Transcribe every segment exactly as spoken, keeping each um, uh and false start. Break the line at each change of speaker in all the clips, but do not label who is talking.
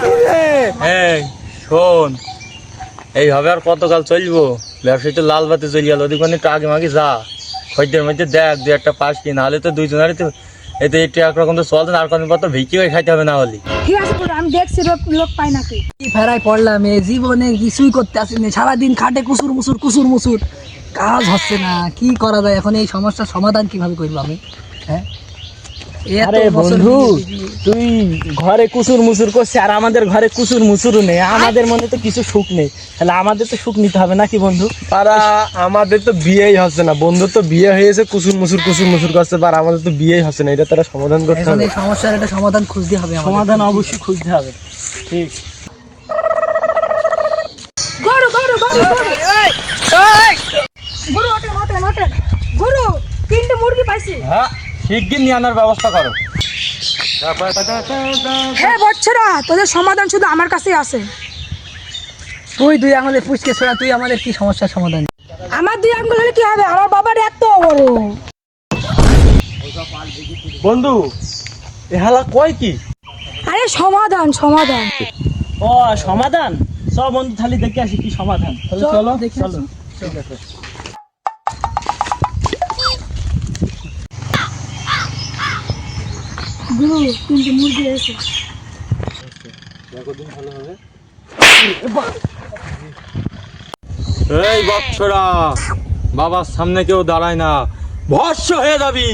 এই শোন, এইভাবে আর কতকাল চলবো? ব্যবসায়ী তো লাল বাতি চলে গেল, ওদিকে একটু আগে মাগে যা, খদ্দের মধ্যে দেখ দু একটা পাস কি, নাহলে তো দুইজনের তো এতে একটু একরকম তো চলতে না, আর কদিন পর তো ভিকি হয়ে খাইতে হবে না হলে।
ঠিক আছে আমি দেখছি লোক পাই নাকি।
কি ফেরাই পড়লাম, এ জীবনে কিছুই করতে আসি না, সারাদিন খাটে কুসুর মুসুর কুসুর মুসুর, কাজ হচ্ছে না। কি করা যায় এখন? এই সমস্যার সমাধান কিভাবে করবো আমি? হ্যাঁ
আরে বন্ধু, তুই ঘরে কুসুর মুসুর করছিস আর আমাদের ঘরে কুসুর মুসুরও নেই, আমাদের মনে তো কিছু সুখ নেই, তাহলে আমাদের তো সুখ নিতে হবে নাকি বন্ধু?
তারা আমাদের তো বিয়েই হচ্ছে না, বন্ধু তো বিয়ে হয়েছে, কুসুর মুসুর কুসুর মুসুর করছে, আর আমাদের তো বিয়েই হচ্ছে না, এটা তারা সমাধান করতে
এখন
হবে।
এই সমস্যার একটা সমাধান খুঁজতে হবে আমাদের।
সমাধান অবশ্যই খুঁজতে হবে। ঠিক।
গরু গরু গরু গরু ওঠেন ওঠেন ওঠেন গরু, তিনটে মুরগি পাইছি।
হ্যাঁ, শিগগির নিয়ে আনার ব্যবস্থা করো।
হ্যাঁ বচ্চরা, তোদের সমাধান শুধু আমার কাছেই আছে।
তুই দুই আঙুলে ফুসকে ছোড়া, তুই আমাদের কি সমস্যার সমাধান?
আমার দুই আঙ্গুল হলে কি হবে? আমার বাবার এত বড়।
বন্ধু এ হালা কয় কি?
আরে সমাধান সমাধান।
ও সমাধান, সব বন্ধু তাহলে দেখে আসি কি সমাধান।
চলো
দেখি
চলো।
ঠিক আছে।
গুরু, তিনটে মুরগি এসে।
এই বাচ্চারা, বাবার সামনে কেউ দাঁড়ায় না, ভস্য হয়ে যাবি।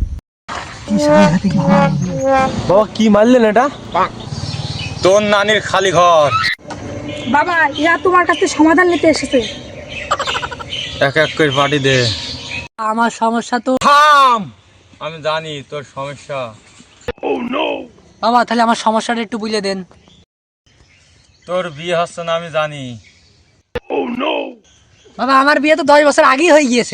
বাবা কি মারলেন এটা?
তোর নানির খালি ঘর।
বাবা, এরা তোমার কাছে সমাধান নিতে এসেছে।
এক এক করে পাটি দে।
আমার সমস্যা তো
থাম, আমি জানি তোর সমস্যা।
বাবা, তাহলে আমার সমস্যাটা একটু বুঝে দেন।
তোর বিয়ে হচ্ছে না আমি জানি।
বাবা, আমার বিয়ে তো দশ বছর আগেই হয়ে গিয়েছে।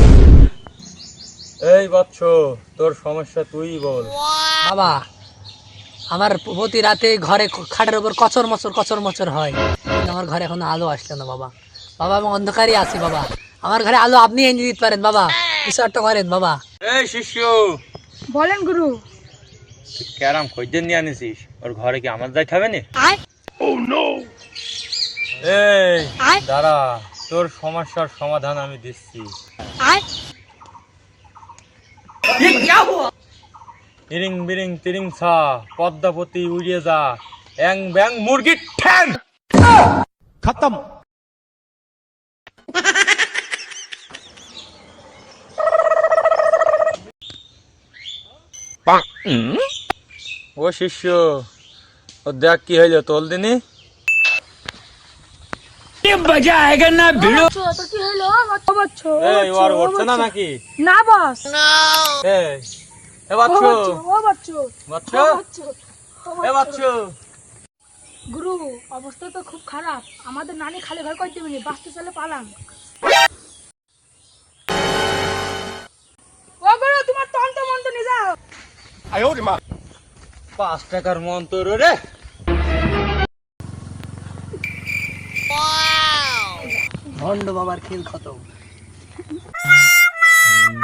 এই বৎস, তোর সমস্যা তুই বল।
বাবা, আমার প্রতি রাতে ঘরে খাটের উপর কচর মচর কচর মচর হয়, কিন্তু আমার ঘরে এখনো আলো আসলো না বাবা। বাবা, আমি অন্ধকারই আছি বাবা, আমার ঘরে আলো আপনি এনে দিতে পারেন বাবা, কিছু একটা করেন বাবা।
এই শিষ্য,
বলেন গুরু।
তুই ক্যারাম খদ্দের নিয়ে আনিসিস, ওর ঘরে কি আমার যাই খাবে না? এই দাঁড়া, তোর সমস্যার সমাধান আমি দিচ্ছি। ইরিং বিরিং তিরিং ছা, পদ্মাবতী উড়িয়ে যা, অ্যাং ব্যাং মুরগির ঠ্যাং।
খতম।
ও শিষ্য, ও দেখ কি হইলো, তোল দিনি। এই ওর উঠছে না নাকি?
না বস।
এই এ বাচ্চু,
ও বাচ্চু,
বাচ্চু, এ বাচ্চু।
গুরু, অবস্থা তো খুব খারাপ, আমাদের নানি খালি ঘর করে দিবেনি, বাঁচতে চলে পালাম। ও গুরু, তোমার তন্ত্র মন্ত্র নিয়ে যাও।
পাঁচ টাকার মন্তর রে।
ভণ্ড বাবার খেল খতম।